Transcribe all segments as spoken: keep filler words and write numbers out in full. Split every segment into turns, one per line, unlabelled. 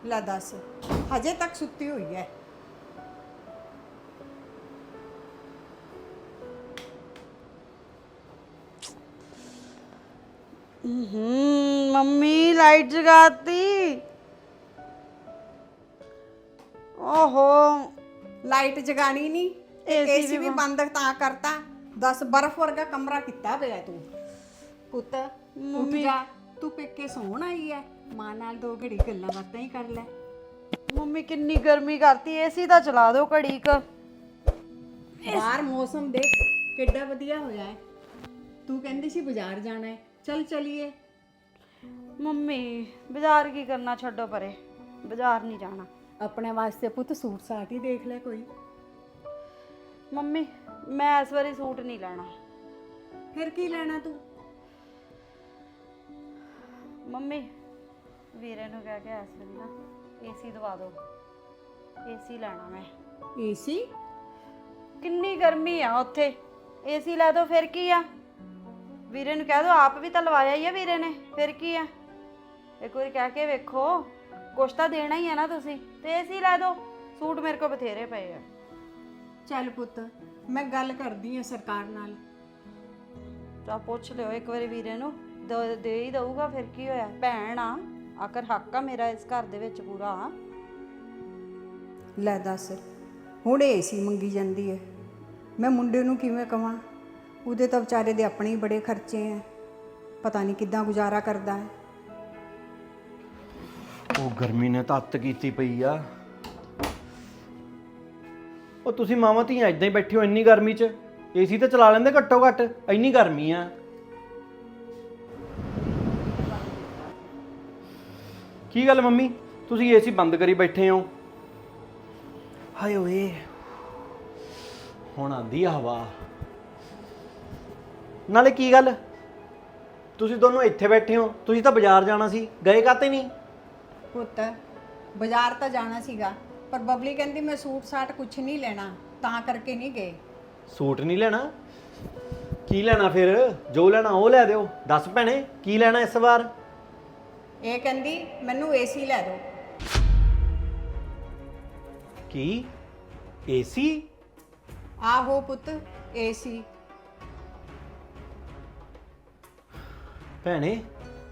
ਲੈ ਦੱਸ, ਹਜੇ ਤੱਕ ਸੁੱਤੀ ਹੋਈ ਹੈ।
हम्म मम्मी लाइट जगाती। ओहो
ਲਾਈਟ ਜਗਾਣੀ ਨਹੀਂ ਤੇ
AC
ਏਸੀ
ਵੀ
ਵੀ ਬੰਦ ਤਾਂ ਕਰਤਾ। ਦਸ ਬਰਫ਼ ਵਰਗਾ ਕਮਰਾ ਕੀਤਾ ਪਿਆ ਤੂੰ। ਪੁੱਤ ਉੱਠ
ਮੰਮੀ।
ਜਾ, ਤੂੰ ਪੇਕੇ ਸੌਣ ਆਈ ਹੈ। ਮਾਂ ਨਾਲ ਦੋ ਘੜੀ ਗੱਲਾਂ ਬਾਤਾਂ ਹੀ ਕਰ ਲੈ।
मम्मी किन्नी गर्मी करती एसी ता चला दो घड़ी क।
ਬਾਹਰ ਮੌਸਮ ਦੇਖ ਕਿੱਡਾ ਵਧੀਆ ਹੋਇਆ ਹੈ। ਤੂੰ ਕਹਿੰਦੀ ਸੀ ਬਾਜ਼ਾਰ ਜਾਣਾ ਹੈ, ਚੱਲ ਚਲੀਏ।
मम्मी बाजार की करना छड्डो परे, बाजार नहीं जाना।
ਆਪਣੇ ਵਾਸਤੇ ਪੁੱਤ ਸੂਟ ਸਾਟ ਹੀ ਦੇਖ ਲੈ ਕੋਈ।
मम्मी मैं इस बारी सूट नहीं लेना।
ਫਿਰ ਕੀ ਲੈਣਾ ਤੂੰ?
मम्मी वीरे नु कह के इस बारी ना एसी दवा दो, एसी लेना मैं।
ਏਸੀ?
किन्नी गर्मी आ उत्थे, एसी लै दो फिर की आ। वीरे नु कह दो, आप भी तो लवाया ही है वीरे ने, फिर की आ। एक बार कह के वेखो, कुछ तो देना ही है ना तुसी, ते एसी लै दो। सूट मेरे को बथेरे पे है।
ਚੱਲ ਪੁੱਤ, ਮੈਂ ਗੱਲ ਕਰਦੀ ਹਾਂ ਸਰਕਾਰ ਨਾਲ।
ਤਾਂ ਪੁੱਛ ਲਿਓ ਇੱਕ ਵਾਰੀ ਵੀਰੇ ਨੂੰ, ਦ- ਦੇ ਹੀ ਦਊਗਾ ਫਿਰ ਕੀ ਹੋਇਆ। ਭੈਣ ਆ, ਆਖਰ ਹੱਕ ਆ ਮੇਰਾ ਇਸ ਘਰ ਦੇ ਵਿੱਚ ਪੂਰਾ।
ਲੈ ਦੱਸ, ਹੁਣ ਏਸੀ ਮੰਗੀ ਜਾਂਦੀ ਹੈ। ਮੈਂ ਮੁੰਡੇ ਨੂੰ ਕਿਵੇਂ ਕਵਾਂ? ਉਹਦੇ ਤਾਂ ਵਿਚਾਰੇ ਦੇ ਆਪਣੇ ਹੀ ਬੜੇ ਖਰਚੇ ਹੈ। ਪਤਾ ਨਹੀਂ ਕਿੱਦਾਂ ਗੁਜ਼ਾਰਾ ਕਰਦਾ ਹੈ।
ਉਹ ਗਰਮੀ ਨੇ ਤਾਂ ਅੱਤ ਕੀਤੀ ਪਈ ਆ। ਉਹ ਤੁਸੀਂ ਮਾਵਾਂ ਧੀਆਂ ਇਦਾਂ ਹੀ ਬੈਠੇ ਹੋ ਇੰਨੀ ਗਰਮੀ 'ਚ? ਏਸੀ ਤਾਂ ਚਲਾ ਲੈਂਦੇ ਘੱਟੋ ਘੱਟ, ਇੰਨੀ ਗਰਮੀ ਆ। ਕੀ ਗੱਲ ਮੰਮੀ, ਤੁਸੀਂ ਏਸੀ ਬੰਦ ਕਰੀ ਬੈਠੇ ਹੋ? ਹਾਏ ਓਏ, ਹੁਣ ਆਂਦੀ ਆ ਹਵਾ। ਨਾਲੇ ਕੀ ਗੱਲ, ਤੁਸੀਂ ਦੋਨੋਂ ਇੱਥੇ ਬੈਠੇ ਹੋ? ਤੁਸੀਂ ਤਾਂ ਬਾਜ਼ਾਰ ਜਾਣਾ ਸੀ, ਗਏ ਕਾਤੇ ਨਹੀਂ?
ਪੁੱਤ ਬਾਜ਼ਾਰ ਤਾਂ ਜਾਣਾ ਸੀਗਾ, ਪਰ ਬਬਲੀ ਕਹਿੰਦੀ ਮੈਂ ਸੂਟ ਸਾਟ ਕੁਛ ਨਹੀਂ ਲੈਣਾ, ਤਾਂ ਕਰਕੇ ਨਹੀਂ ਗਏ।
ਸੂਟ ਨਹੀਂ ਲੈਣਾ? ਕੀ ਲੈਣਾ ਫਿਰ? ਜੋ ਲੈਣਾ ਉਹ ਲੈ ਦਿਓ। ਦੱਸ ਭੈਣੇ, ਕੀ ਲੈਣਾ ਇਸ ਵਾਰ?
ਇਹ ਕਹਿੰਦੀ ਮੈਨੂੰ ਏਸੀ ਲੈ ਦਿਓ।
ਕੀ ਏਸੀ?
ਆਹੋ ਪੁੱਤ, ਏਸੀ।
ਭੈਣੇ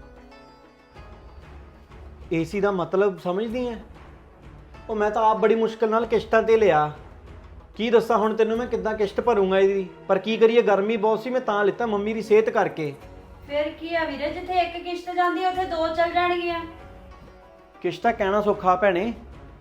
ਏਸੀ ਦਾ ਮਤਲਬ ਸਮਝਦੀ ਐ? ਉਹ ਮੈਂ ਤਾਂ ਆਪ ਬੜੀ ਮੁਸ਼ਕਲ ਨਾਲ ਕਿਸ਼ਤਾਂ ਤੇ ਲਿਆ। ਕੀ ਦੱਸਾਂ ਹੁਣ ਤੈਨੂੰ ਮੈਂ ਕਿੱਦਾਂ ਕਿਸ਼ਤ ਭਰੂੰਗਾ ਇਹਦੀ? ਪਰ ਕੀ ਕਰੀਏ, ਗਰਮੀ ਬਹੁਤ ਸੀ, ਮੈਂ ਤਾਂ ਲਿੱਤਾ ਮੰਮੀ ਦੀ ਸਿਹਤ ਕਰਕੇ।
ਫਿਰ ਕੀ ਆ ਵੀਰੇ, ਜਿੱਥੇ ਇੱਕ ਕਿਸ਼ਤ ਜਾਂਦੀ ਉੱਥੇ ਦੋ ਚੱਲ ਜਾਣਗੀਆਂ।
ਕਿਸ਼ਤਾਂ ਕਹਿਣਾ ਸੌਖਾ ਭੈਣੇ,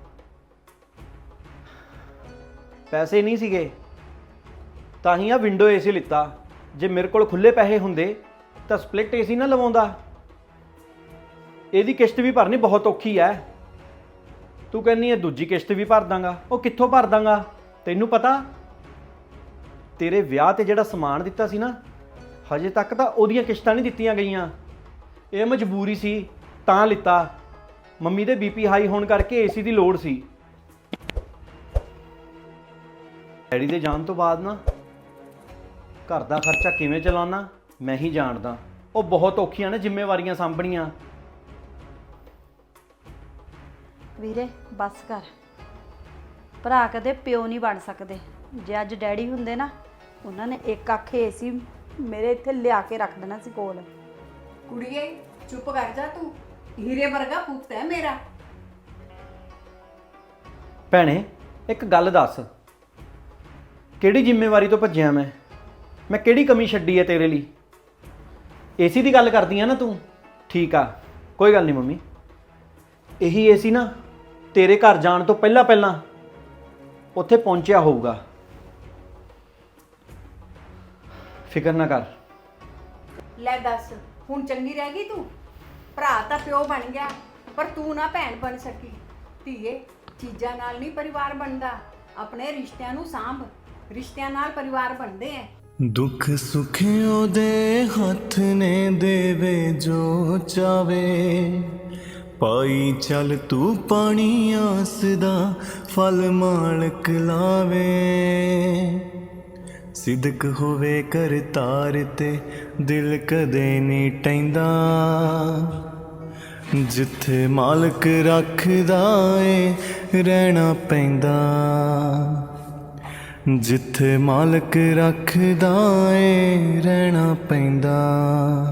ਪੈਸੇ ਨਹੀਂ ਸੀਗੇ ਤਾਂ ਹੀ ਆ ਵਿੰਡੋ ਏਸੀ ਲਿੱਤਾ। ਜੇ ਮੇਰੇ ਕੋਲ ਖੁੱਲੇ ਪੈਸੇ ਹੁੰਦੇ ਤਾਂ ਸਪਲਿਟ ਏਸੀ ਨਾ ਲਵਾਉਂਦਾ। ਇਹਦੀ ਕਿਸ਼ਤ ਵੀ ਭਰਨੀ ਬਹੁਤ ਔਖੀ ਐ। ਤੂੰ ਕਹਿੰਦੀ ਐ ਦੂਜੀ ਕਿਸ਼ਤ ਵੀ ਭਰ ਦਾਂਗਾ, ਉਹ ਕਿੱਥੋਂ ਭਰ ਦਾਂਗਾ? ਤੈਨੂੰ ਪਤਾ ਤੇਰੇ ਵਿਆਹ ਤੇ ਜਿਹੜਾ ਸਮਾਨ ਦਿੱਤਾ ਸੀ ਨਾ, ਹਜੇ ਤੱਕ ਤਾਂ ਉਹਦੀਆਂ ਕਿਸ਼ਤਾਂ ਨਹੀਂ ਦਿੱਤੀਆਂ ਗਈਆਂ। ਇਹ ਮਜਬੂਰੀ ਸੀ ਤਾਂ ਲਿੱਤਾ। ਮੰਮੀ ਦੇ ਬੀਪੀ ਹਾਈ ਹੋਣ ਕਰਕੇ ਏਸੀ ਦੀ ਲੋੜ ਸੀ। ਡੈਡੀ ਦੇ ਜਾਣ ਤੋਂ ਬਾਅਦ ਨਾ ਘਰ ਦਾ ਖਰਚਾ ਕਿਵੇਂ ਚਲਾਉਣਾ ਮੈਂ ਹੀ ਜਾਣਦਾ। ਉਹ ਬਹੁਤ ਔਖੀਆਂ ਨੇ ਜ਼ਿੰਮੇਵਾਰੀਆਂ ਸਾਂਭਣੀਆਂ।
ਵੀਰੇ ਬਸ ਕਰ, ਭਰਾ ਕਦੇ ਪਿਓ ਨਹੀਂ ਬਣ ਸਕਦੇ। ਜੇ ਅੱਜ ਡੈਡੀ ਹੁੰਦੇ ਨਾ, ਉਹਨਾਂ ਨੇ ਇੱਕ ਅੱਖ ਏਸੀ ਮੇਰੇ ਇੱਥੇ ਲਿਆ ਕੇ ਰੱਖ ਦੇਣਾ ਸੀ ਕੋਲ।
ਕੁੜੀਏ ਚੁੱਪ ਕਰ ਜਾ, ਤੂੰ ਹੀਰੇ ਵਰਗਾ ਪੁੱਤ ਹੈ ਮੇਰਾ।
ਭੈਣੇ ਇੱਕ ਗੱਲ ਦੱਸ, ਕਿਹੜੀ ਜ਼ਿੰਮੇਵਾਰੀ ਤੋਂ ਭੱਜਿਆ ਮੈਂ? ਮੈਂ ਕਿਹੜੀ ਕਮੀ ਛੱਡੀ ਹੈ ਤੇਰੇ ਲਈ? ਏਸੀ ਦੀ ਗੱਲ ਕਰਦੀ ਆ ਨਾ ਤੂੰ? ਠੀਕ ਆ, ਕੋਈ ਗੱਲ ਨਹੀਂ ਮੰਮੀ। ਇਹੀ ਏਸੀ ਨਾ ਤੇਰੇ ਘਰ ਜਾਣ ਤੋਂ ਪਹਿਲਾਂ ਪਹਿਲਾਂ ਉੱਥੇ ਪਹੁੰਚਿਆ ਹੋਊਗਾ। ਫਿਕਰ ਨਾ ਕਰ।
ਲੈ ਦੱਸ, ਹੁਣ ਚੰਗੀ ਰਹਿ ਗਈ ਤੂੰ? ਭਰਾ ਤਾਂ ਪਿਓ ਬਣ ਗਿਆ, ਪਰ ਤੂੰ ਨਾ ਭੈਣ ਬਣ ਸਕੀ। ਧੀਏ, ਚੀਜ਼ਾਂ ਨਾਲ ਨਹੀਂ ਪਰਿਵਾਰ ਬਣਦਾ, ਆਪਣੇ ਰਿਸ਼ਤਿਆਂ ਨੂੰ ਸਾਂਭ। ਰਿਸ਼ਤਿਆਂ ਨਾਲ ਪਰਿਵਾਰ ਬਣਦੇ ਐ।
दुख सुखियों दे हथ ने देवे जो चावे पाई चल तू पानी आस दा फल मालक लावे सिदक होवे कर तार ते दिल कदे नहीं टैंदा ਜਿੱਥੇ ਮਾਲਕ ਰੱਖਦਾ ਏ ਰਹਿਣਾ ਪੈਂਦਾ, ਜਿੱਥੇ ਮਾਲਕ ਰੱਖਦਾ ਏ ਰਹਿਣਾ ਪੈਂਦਾ।